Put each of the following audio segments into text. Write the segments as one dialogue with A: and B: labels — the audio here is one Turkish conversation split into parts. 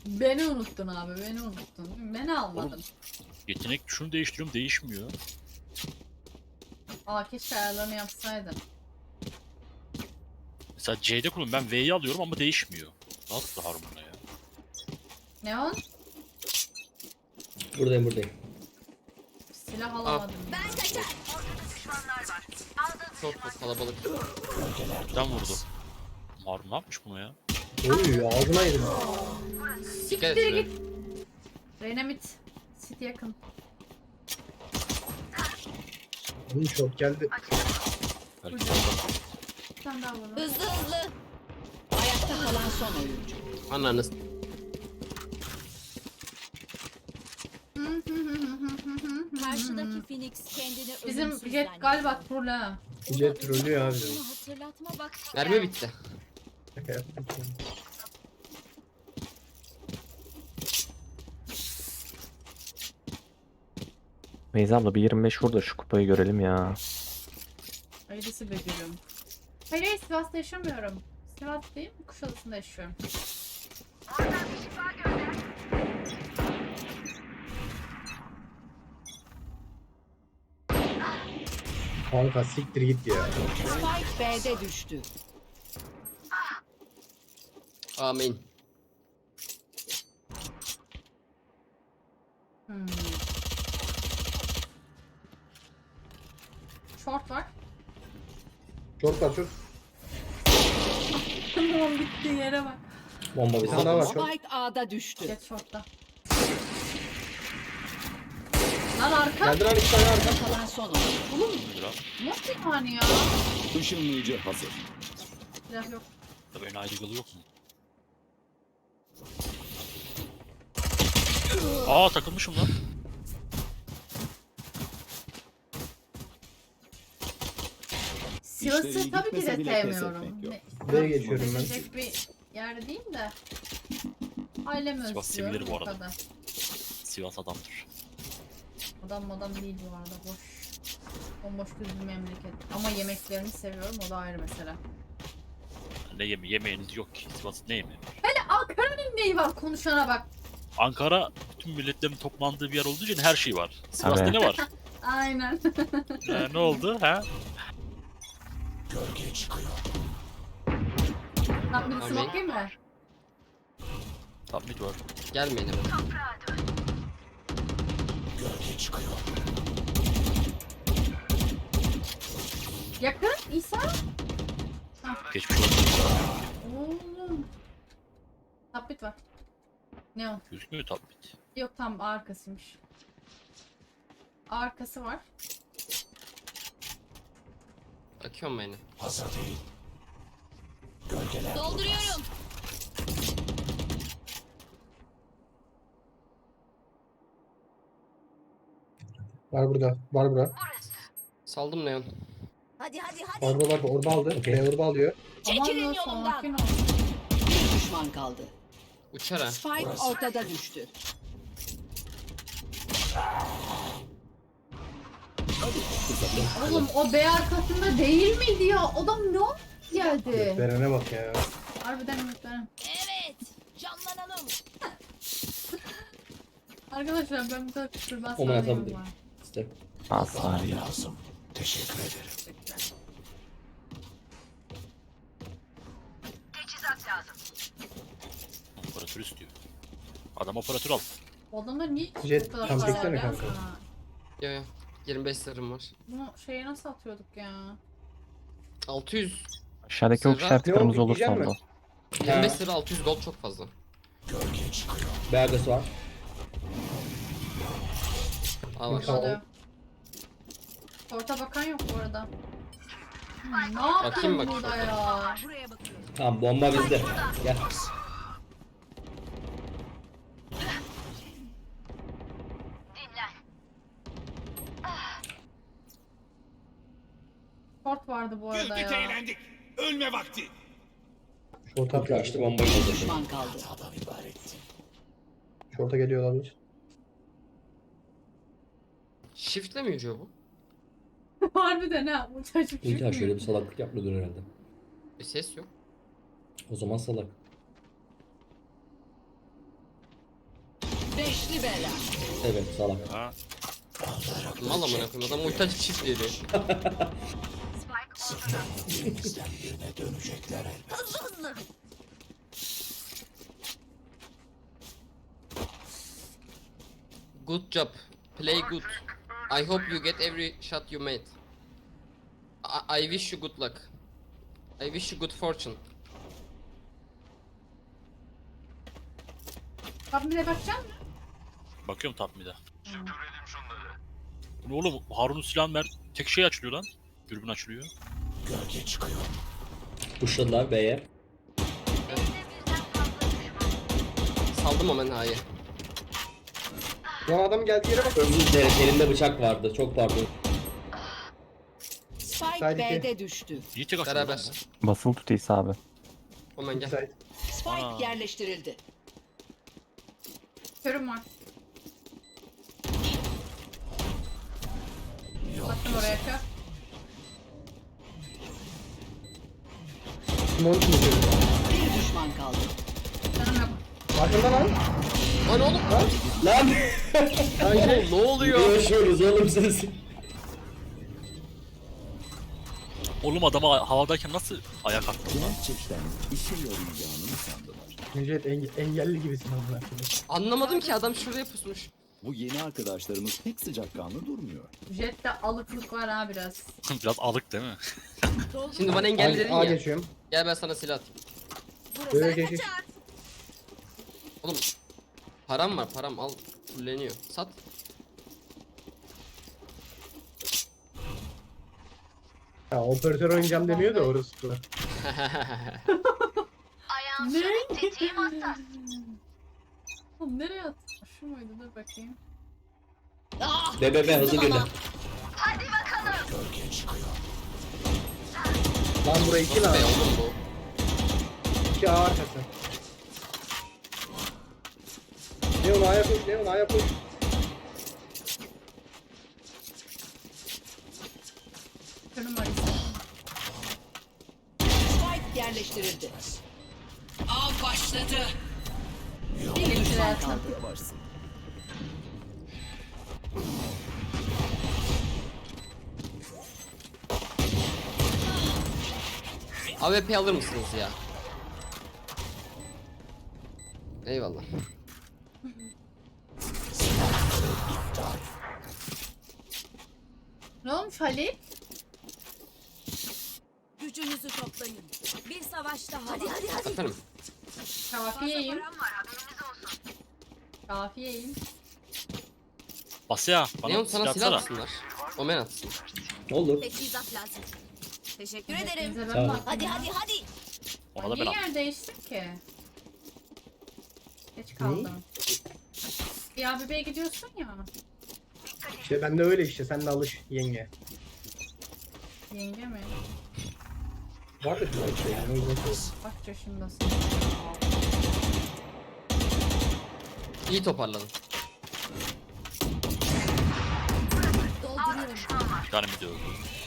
A: Beni unuttun abi, beni unuttun. Beni almadın.
B: Oğlum, yetenek şunu değiştiriyorum, değişmiyor.
A: Aa, keşke ayarlarını yapsaydın.
B: Mesela C'de kullanıyorum. Ben V'yi alıyorum ama değişmiyor. Nasıl harmona ya?
A: Neon?
C: Buradayım.
A: Silah alamadım.
D: Ben kaçar.
E: Çok kalabalık.
B: Neden vurdu? Harun ne yapmış bunu ya?
C: Oy ağzına yedim.
E: Dikkat
A: Siktir
E: et
A: git. Renamit. City yakın.
C: Bunun çok geldi.
B: Belki
A: Hocam.
B: orada.
A: Bir tane daha vurun.
D: Hızlı hızlı.
F: Ayakta kalan son oyuncu.
E: Ananız.
D: Karşıdaki Phoenix kendini
A: Bizim
D: ölümsüz
A: Jet
D: zannediyor.
A: galiba troll ha.
C: Jet trollüyor abi.
D: Bunu hatırlatma vakti
E: Mermi
D: geldi.
E: bitti.
C: Şaka yaptım.
G: Beyza abla bir 25 vur da şu kupayı görelim ya.
A: Hayırlısı be gülüm. Hayır, Sivas'ta yaşamıyorum. Sivas değil mi? Kuşadası'nda yaşıyorum.
C: Kanka siktir git ya.
F: Spike B'de düştü.
E: Amin.
A: Short var.
C: Çok var çok.
A: Tamam, bitti yere bak.
C: Bomba bir tane daha var çok.
F: Spike A'da düştü.
A: Jet short'ta. Lan arka.
C: Geldi lan 2 tane arka.
F: Ayakta kalan son oyuncu.
A: Nasıl yani ya?
H: Işınlayıcı hazır.
A: Silah yok.
B: Tabii ön ayrıcalı yok mu? Aa, takılmışım lan.
A: Sivas'ı
H: İşleri
A: tabii ki de
H: gitmese bile pes
A: sevmiyorum.
H: etmek yok.
C: Buraya geçiyorum ben.
A: Gelecek bir yer değil de. Ailemi
B: Sivas
A: özlüyorum
B: sevilir bu
A: o
B: arada.
A: kadar.
B: Sivas adamdır.
A: Adam değil bu arada, boş. Bomboş düz bir memleket. Ama yemeklerini seviyorum, o da ayrı mesele.
B: Ne yemeğiniz yok ki. Sivas'ın ne yemeği?
A: Ankara'nın neyi var, konuşana bak.
B: Ankara bütün milletlerin toplandığı bir yer olduğu için her şey var. Sivas'ta
G: Evet.
B: ne var?
A: Aynen.
B: Ne oldu ha?
A: Lan birisi
E: Amin.
A: bakayım mı?
B: Tam mid var.
E: Gelmeyin hemen.
A: Yakın, İsa.
B: Geçmiş olsun.
A: Oğlum. Tabbit var. Ne o?
B: Gözükmüyor tam mid.
A: Yok, tam arkasıymış. Arkası var.
E: Bakıyorum beni.
D: Dolduruyorum.
C: Var burada. Var burada.
E: Saldım Neon.
D: Hadi hadi hadi.
C: Var burada. Orba aldı. Orba alıyor.
D: Çekilin
A: Aman
D: yolumdan.
A: sakin ol.
F: Bir düşman kaldı.
E: Uçar ha.
F: Spike ortada düştü.
A: Oğlum o B arkasında değil miydi ya? Adam ne oldu geldi?
C: Verene bak ya.
A: Harbiden ümitlerim.
D: Evet. Canlanalım.
A: Arkadaşlar ben bu kadar küfürden
C: Oman
A: sanıyorum
C: atabilirim.
A: var.
C: İşte.
G: Asla ya.
B: Operatör istiyor. Adam operatör al.
A: O adamlar niye
C: Jet,
A: bu kadar
C: tam
A: para
C: çeksene
A: var ya
C: kanka.
A: sana?
E: Yo yo. 25 sarım var.
A: Bunu şeye nasıl atıyorduk ya?
E: 600.
G: Aşağıdaki ok
E: Serra,
G: işaretlerimiz
C: yok,
G: olursa
C: yiyecek
G: oldu.
E: 25 sarı 600 gold çok fazla.
C: Beyazısı var.
E: Aa var.
C: Tamam.
A: Oluyor. Orta bakan yok bu arada. Ne
E: Bakayım
A: yapıyorsun
E: bak
A: burada
E: şurada.
A: ya?
D: Buraya bakıyorum.
C: Tamam bomba bizde. Gel.
A: Short vardı bu arada
H: Güldük
A: ya.
H: eğlendik. Ölme vakti.
C: Şorta açtı bombayı
F: Bir
C: buldu.
F: düşman kaldı.
C: Şorta geliyor olabilir.
E: Shift'le mi yürüyor bu?
A: Harbiden ha. Bu çocuk
I: İlk şöyle bir
A: çıkmıyor.
I: salaklık yapmıyordur herhalde.
E: Bir ses yok.
I: O zaman salak.
F: Beşli bela.
C: Evet salak.
B: Ha.
E: Mal amına koyayım adam ulti açıp çift yedi.
D: Hızlı hızlı.
E: Good job. Play good. I hope you get every shot you made. I wish you good luck. I wish you good fortune.
A: Abi bir de bakacak mısın?
B: Bakıyorum top mid'e. Bu ne oğlum? Harun'un silahını ver. Tek şey açılıyor lan. Dürbün açılıyor.
C: Pushladılar B'ye.
E: Saldım hemen A'yı.
C: Lan adam geldi yere bak. Özür dilerim elinde bıçak vardı. Çok pardon.
F: Spike B'de düştü.
B: İyi tek açılıyor.
E: Beraber.
B: lan
G: Basılı tut İsa abi.
E: Hemen gel.
F: Spike
B: Aa.
F: yerleştirildi.
A: Körüm var. Attım oraya kör.
F: Bir düşman kaldı.
A: Canım yok.
C: Arkanda lan.
E: Lan oğlum.
C: Lan.
E: Oğlum ne oluyor?
C: Yaşıyoruz oğlum siz.
B: bu. Oğlum adama havadayken nasıl ayak attın lan?
H: Gerçekten işe yarayacağını mı sandılar?
I: Necdet engelli gibisin amına koyayım.
E: Anlamadım ki adam şuraya pusmuş.
H: Bu yeni arkadaşlarımız pek sıcakkanlı durmuyor.
A: Jet'te alıklık var ha biraz.
B: Biraz alık değil mi?
E: Şimdi bana engelli dedin
I: A
E: ya.
I: geçiyorum.
E: Gel ben sana silah atayım.
I: Böyle geç.
E: Oğlum param var param al fulleniyor. Sat.
I: Ya operatör oynayacağım demiyor da orası.
A: Ne? Oğlum nereye attın? Şu muydu? Dur bakayım.
C: BBB hızlı girdi.
I: Lan buraya 2
E: Be
I: lan.
E: oğlum bu.
I: 2 A arkası. Leon A'ya koş, Leon A'ya koş.
A: Körüm var işte.
F: Spike yerleştirildi. Av başladı. Bir düşman kaldı.
H: Varsın.
E: AWP alır mısınız ya? Eyvallah.
A: Ne olmuş Halil?
D: Gücünüzü toplayın. Bir savaş daha. Hadi hadi hadi.
E: Efendim.
A: Kafiyeyim. Kafiyeyim.
B: Basya bana
E: Neon sana silah
B: atsana.
E: atsınlar. Omen atsın.
C: Olur.
D: Teçhizat lazım. Teşekkür ederim.
A: Hepinize
C: Sağ
A: ben
C: ol.
A: baktım.
D: Hadi
A: ya.
D: hadi hadi.
B: Ona da ben
A: Niye
B: attım.
A: yer değiştik ki? Geç kaldım. Ya bebeğe gidiyorsun ya.
I: İşte ben de öyle işte, sen de alış yenge.
A: Yenge mi?
I: Vardır bir şey yani, o yüzden söylüyorum.
A: Kaç yaşındasın?
E: İyi toparladın.
D: Dolduruyorum.
B: Bir tane mi diyor?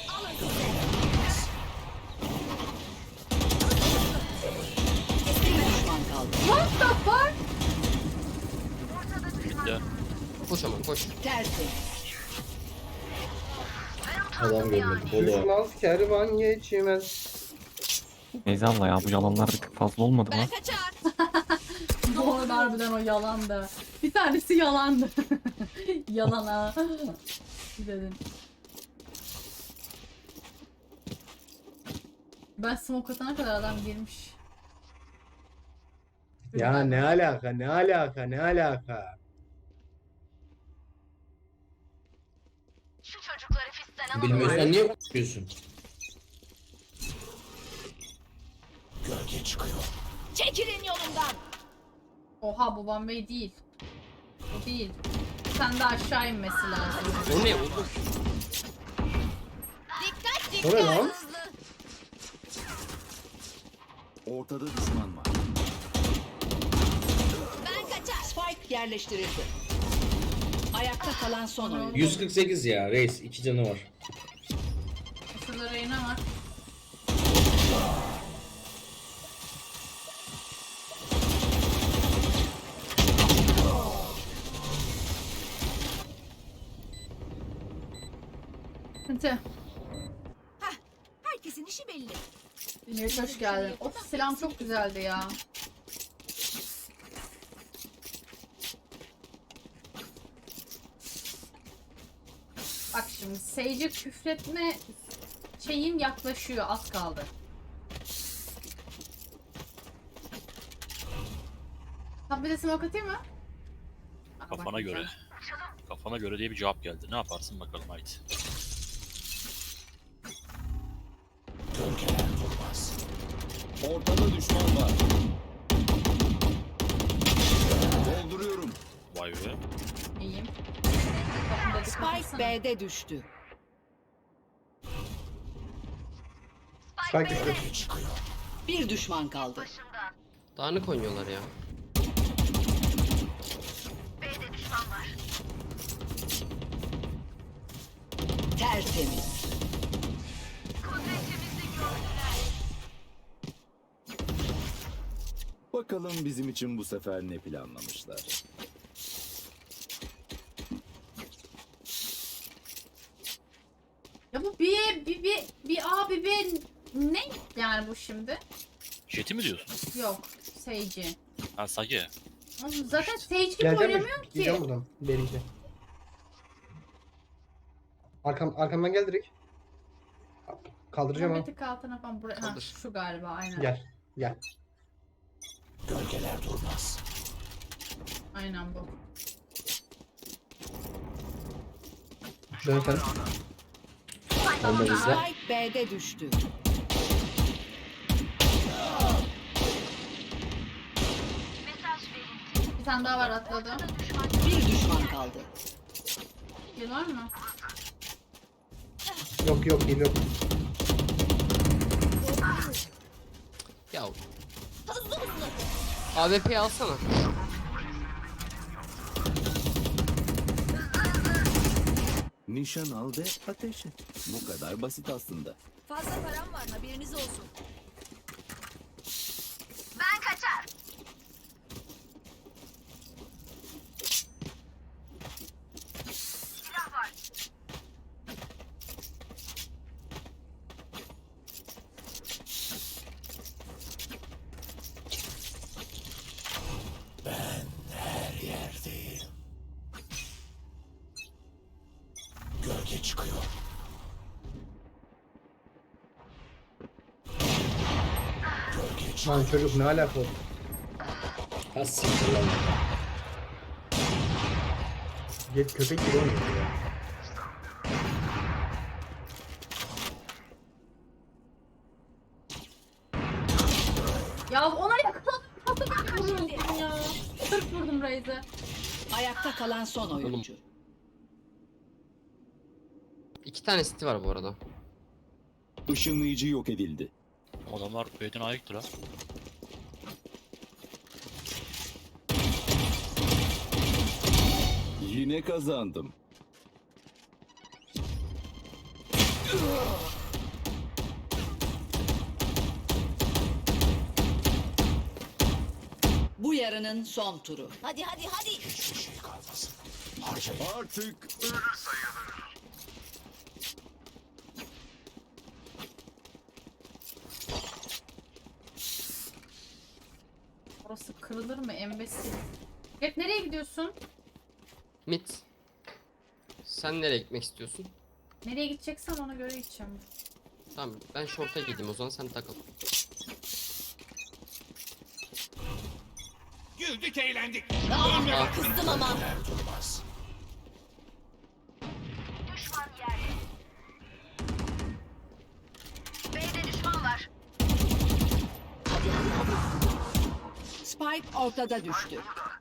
F: Bir düşman kaldı.
A: What the fuck?
B: Bitti.
E: Koş aman koş.
F: Tersi.
C: Adam görmedik. Bolu.
I: Düşmaz kervan geçmez.
G: Neyse abla ya bu yalanlar bir tık fazla olmadı mı?
D: Ben kaçar.
A: Doğru harbiden o yalandı. Bir tanesi yalandı. Yalan ha. Dedin. Ben smoke atana kadar adam girmiş.
I: Ya ne alaka, ne alaka, ne alaka.
C: Bilmiyorsan niye konuşuyorsun?
D: Çekilin yolumdan.
A: Oha bu Bombay değil. Bu değil. Sen de aşağı inmesi lazım.
E: O ne oğlum?
D: Dikkat
I: O ne
D: dikkat.
I: lan?
D: Hızlı.
H: Ortada düşman var.
D: Ben kaçar.
F: Spike yerleştirildi. Ayakta kalan son oyuncu.
C: 148 ya reis. 2 canı var.
A: Şurada Reyna var. Sıkıntı.
D: Herkesin işi belli.
A: Meriç hoş geldin. Of selam çok güzeldi ya. Bak şimdi Sage'e küfretme şeyim yaklaşıyor, az kaldı. Tam bir de smoke atayım mı? Bak,
B: Kafana
A: bak,
B: göre. Kafana göre diye bir cevap geldi. Ne yaparsın bakalım haydi.
H: Ortada düşman var. Dolduruyorum.
B: Vay be.
A: İyiyim. Kapımda dikkat
F: Spike
A: etsene.
F: B'de düştü.
I: Spike düştü.
F: Bir düşman kaldı.
E: Dağınık oynuyorlar ya.
F: Tertemiz.
H: Bakalım bizim için bu sefer ne planlamışlar.
A: Ya bu bir A bir B ne yani bu şimdi?
B: Jet'i mi diyorsun?
A: Yok Sage'i.
B: Ha Sage.
A: Oğlum zaten Sage gibi
I: Geleceğim mi?
A: oynamıyorum ki.
I: Gideceğim buradan. Benimki. Arkamdan gel direkt. Kaldıracağım ha.
A: Mehmet'i altına falan buraya. Ha,
E: Kaldır.
A: şu galiba aynen.
I: Gel. Gel.
A: Aynen bu.
I: Dön sen.
G: Onu da izle.
F: Spike B'de düştü.
A: Bir tane daha var atladı.
F: Bir düşman kaldı.
A: Bir var mı?
I: Yok yok değil yok.
E: Ya. AWP'yi alsana.
H: Nişan al ve ateş et. Bu kadar basit aslında.
D: Fazla param var, haberiniz olsun.
I: Lan çocuk ne alaka oldu?
C: Ha siktir lan.
I: Git köpek gibi oynuyor ya.
A: Ya ona yakaladım. Patlamak vurdum ya. 40 vurdum Raze'e.
F: Ayakta kalan son oyuncu.
E: 2 tane city var bu arada.
H: Işınlayıcı yok edildi.
B: Adamlar B'den ayıktır ha.
H: Yine kazandım.
F: Bu yarının son turu.
D: Hadi hadi hadi.
H: Artık
A: Orası kırılır mı embesil? Hep nereye gidiyorsun?
E: Mid. Sen nereye gitmek istiyorsun?
A: Nereye gideceksen ona göre gideceğim.
E: Tamam ben short'a gideyim o zaman sen takıl.
D: Kızdım ama.
F: Spike ortada düştü.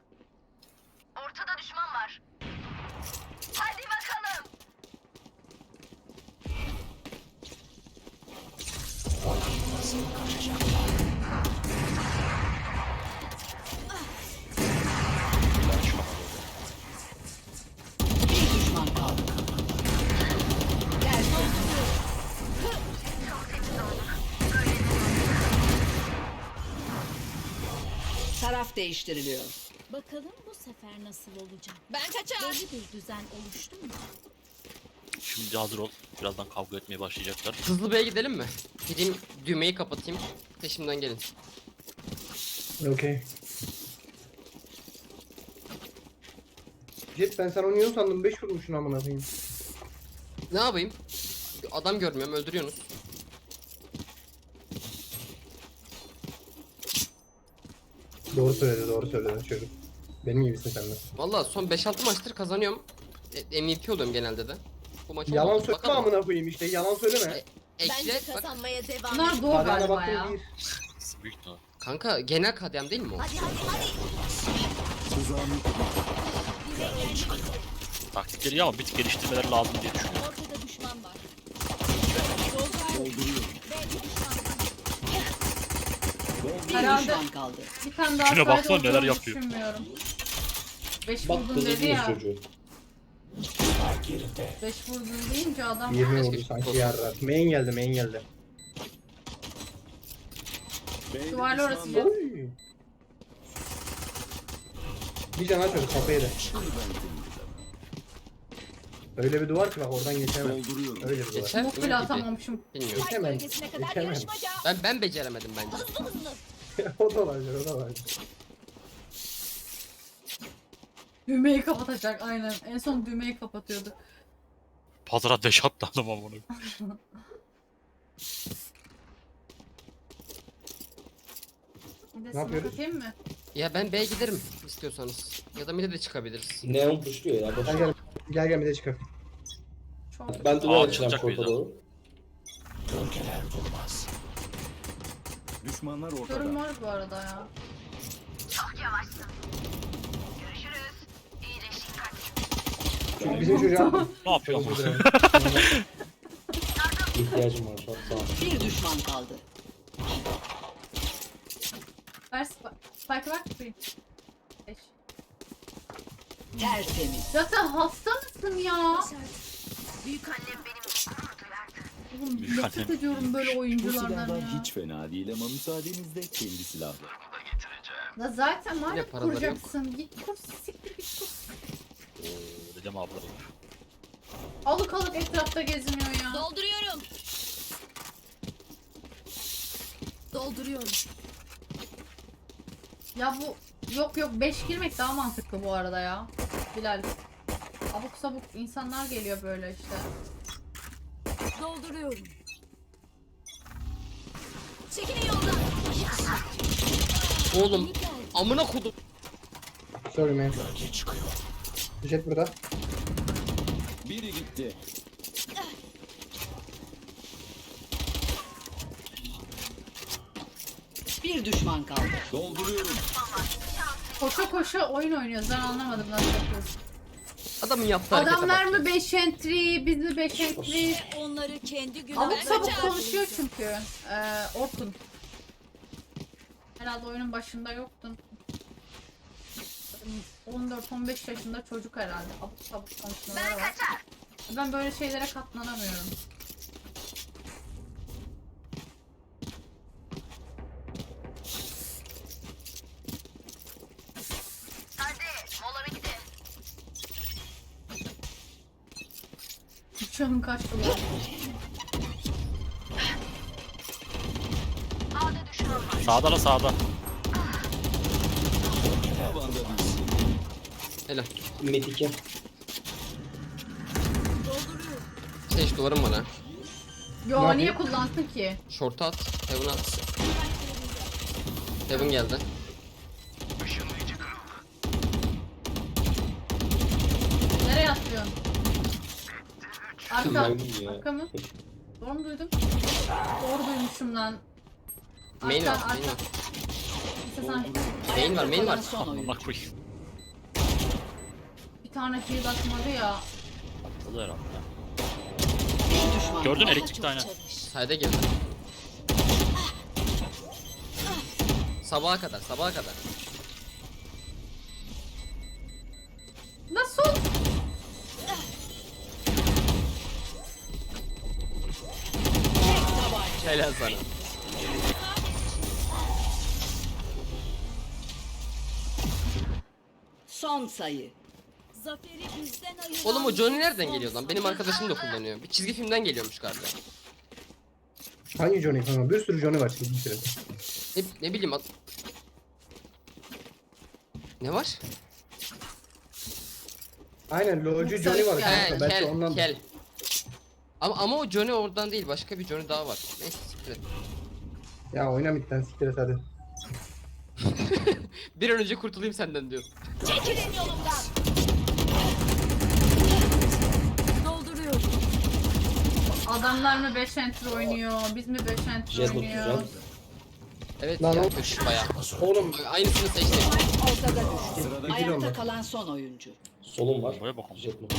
F: Bir düşman kaldı. Tertemiz. Taraf değiştiriliyor.
D: Bakalım bu sefer nasıl olacak? Ben kaçar. Belli bir düzen oluştu mu?
B: Şimdi hazır ol. Birazdan kavga etmeye başlayacaklar.
E: Hızlı B'ye gidelim mi? Gideyim düğmeyi kapatayım. Peşimden gelin.
I: Okey. Jet ben sana oynuyor sandım 5 vurmuşsun amına koyayım.
E: Ne yapayım? Adam görmüyorum, öldürüyorsunuz.
I: Doğru söyledi çocuk. Benim gibisin sen de.
E: Valla son 5-6 maçtır kazanıyorum. MVP oluyorum genelde de. Bu maç
I: Yalan
E: olmadı.
I: söyleme
E: Bakalım.
I: amına koyayım işte yalan söyleme.
D: Bence
E: Ekle bak.
D: kazanmaya devam
A: Bunlar
D: et.
A: doğu
I: Parana
A: galiba ya.
I: baktım bir.
B: Büyük ihtimal.
E: Kanka genel KDM değil mi o?
D: Hadi hadi hadi.
H: Tuzağımı
B: Taktikleri iyi ama bir tık geliştirmeleri lazım diye düşünüyorum.
D: Ortada düşman var.
H: dolduruyorum.
F: Bir
A: Herhalde-
F: düşman kaldı.
A: Bir tane daha
B: Şuna
A: sayda
B: baksana neler
A: olduğunu
B: yapıyor.
A: düşünmüyorum. 5
C: Bak
A: vurdun dedi
C: kızı
A: ya.
C: çocuğu.
A: 5 vurdun deyince adam
I: 20 vurdu
E: Keşke
I: sanki
E: olsa.
I: yarrar. Main geldi.
H: B'de
A: Duvarlı
H: düşman
A: orası
H: var.
A: Jet.
I: Oy. Bir can açmadı kafayı da.
H: Şimdi ben temizledim.
I: Öyle bir duvar ki bak oradan geçemem.
H: Dolduruyorum.
I: Öyle bir duvar.
E: Geçer mi
A: bu bile
E: gibi?
A: atamamışım.
E: Bilmiyorum.
I: Geçemem.
D: Bölgesine kadar
I: Geçemem.
D: yarışmaca.
E: Ben beceremedim bence.
D: Hızlı hızlı.
I: o da olabilir.
A: Düğmeyi kapatacak aynen. En son düğmeyi kapatıyordu.
B: Pazara deş attı adam ama bunu.
A: Bir de
I: Ne
A: sana
I: yapıyoruz?
A: katayım mı?
E: Ya ben B'ye giderim istiyorsanız. Ya da mid'e de çıkabiliriz.
C: Neon puşluyor ya. Boş.
I: Gel bir de çıkar.
A: Çok.
C: Ben duvar
B: Aa,
C: açacağım
B: çıkacak
C: şorta
B: mıydı?
C: doğru.
H: Düşmanlar
A: Sorun
H: ortada.
A: var bu arada ya.
I: Çünkü bizim çocuğa
B: Ne yapıyor ama?
C: İhtiyacım var şu an. Sağ ol.
F: Bir düşman kaldı.
A: Ver spike'ı ver kapayım. 5.
F: Tertemiz.
A: Zaten hasta mısın ya?
D: Büyük annem benim.
A: Oğlum
B: Büyük
A: nefret
B: annem.
A: ediyorum böyle
H: Bu
A: oyunculardan
H: silahlar
A: ya.
H: hiç fena değil ama müsaadenizle kendi silahlar.
A: Ya zaten
E: Yine
A: madem
E: paraları yok.
A: kuracaksın. Git kur, siktir git kur.
B: Dedim abla olur.
A: Alık alık etrafta geziniyor ya.
D: Dolduruyorum. Dolduruyorum.
A: Ya bu yok 5 girmek daha mantıklı bu arada ya. Bilal. Abuk sabuk insanlar geliyor böyle işte.
D: Dolduruyorum. Çekilin yoldan.
E: Oğlum amına kodum.
I: Sorry man. Jet burada.
H: Biri gitti.
F: Bir düşman kaldı.
H: Dolduruyorum.
A: Koşa koşa oyun oynuyoruz. Ben anlamadım nasıl yapıyoruz.
E: Adamın yaptığı harekete
A: Adamlar
E: bak
A: mı 5 entry, biz mi 5 entry?
D: Onları kendi
A: Abuk
D: günahlarına
A: sabuk
D: çağır.
A: konuşuyor çünkü. Orkun. Herhalde oyunun başında yoktun. 14-15 yaşında çocuk herhalde. Abuk sabuk konuşmaları var. Ben böyle şeylere katlanamıyorum. Uçağın kaçtı lan.
B: Sağda la sağda.
H: Tavanda biz.
E: Helal.
C: Mid 2.
E: Seç duvarım var ha.
A: Yo
I: Ne
A: niye
I: yapayım?
A: kullansın ki?
E: Short'a at. Heaven'a at. Heaven geldi.
A: Nereye atlıyorsun? Arka.
C: Maymun ya.
A: Arka mı? Doğru mu duydum? Doğru duymuşum lan.
E: Main var.
A: Arka,
E: Main var.
A: arka. İşte sen
E: Main var. Main var.
F: Son oyun.
B: Amına koyayım.
A: bir tane heal atmadı ya.
B: Atladı herhalde.
F: Bir düşman
B: Gördün
F: kaldı.
B: elektrikte aynen.
E: Sayda girdi. Sabaha kadar. Sabaha kadar.
A: Nasıl?
E: Helal sana.
F: Son sayı.
D: Zaferi bizden ayıran
E: Oğlum o Johnny nereden
D: son
E: geliyor lan? Benim arkadaşım da kullanıyor. Bir çizgi filmden geliyormuş galiba.
I: Hangi Johnny kanka? Bir sürü Johnny var çizgi film.
E: Ne bileyim Ne var?
I: Aynen LoL'cu
A: Yoksa
I: Johnny var
A: işte-
I: kanka. Belki ondan.
E: Kel. Ama o Johnny oradan değil. Başka bir Johnny daha var. Neyse siktir et.
I: Ya oyna midden siktir et hadi.
E: Bir an önce kurtulayım senden diyor.
D: Çekilin yolumdan. Dolduruyorum.
A: Adamlar mı 5 enter oynuyor? Biz mi 5 enter
C: Jet
A: oynuyoruz?
C: tutacağım.
E: Evet
I: Lan
E: ya
I: o-
E: kötü bayağı.
I: Oğlum
E: Aynısını seçtim.
F: Ortada düştü.
I: Sırada
F: Ayakta
I: onlar.
F: kalan son oyuncu.
C: Solum var.
B: Boya bakalım.
C: Jet mi?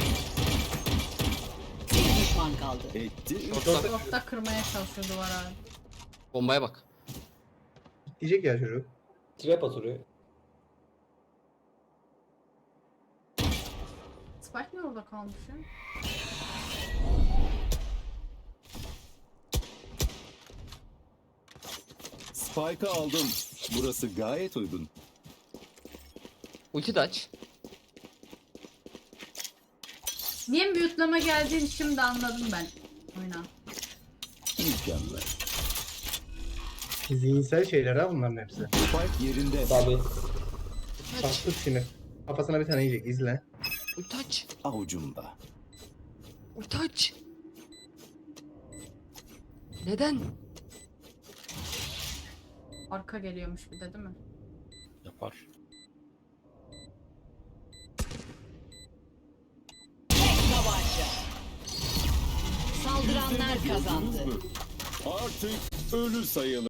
F: Bir düşman kaldı.
H: Etti.
E: Short'ta.
A: Short'ta kırmaya çalışıyor duvar abi.
E: Bombaya bak.
I: diyecek ya çocuk.
C: Trap atıyor.
A: Spike mi orada kalmış ya?
H: Spike'ı aldım. Burası gayet uygun.
E: Ulti de aç.
A: Niye mute'lama geldiğini şimdi anladım ben. Oyna.
H: Mükemmel.
I: Zihinsel şeyler ha bunların hepsi.
H: Spike yerinde.
C: Tabii.
I: Bastır şimdi. Kafasına bir tane yiyecek izle.
E: Ulti aç.
H: Avucumda.
E: Ulti aç. Neden?
A: Arka geliyormuş bir de değil mi?
B: Yapar.
F: Tek tabanca. Saldıranlar kazandı.
H: Artık ölü sayılır.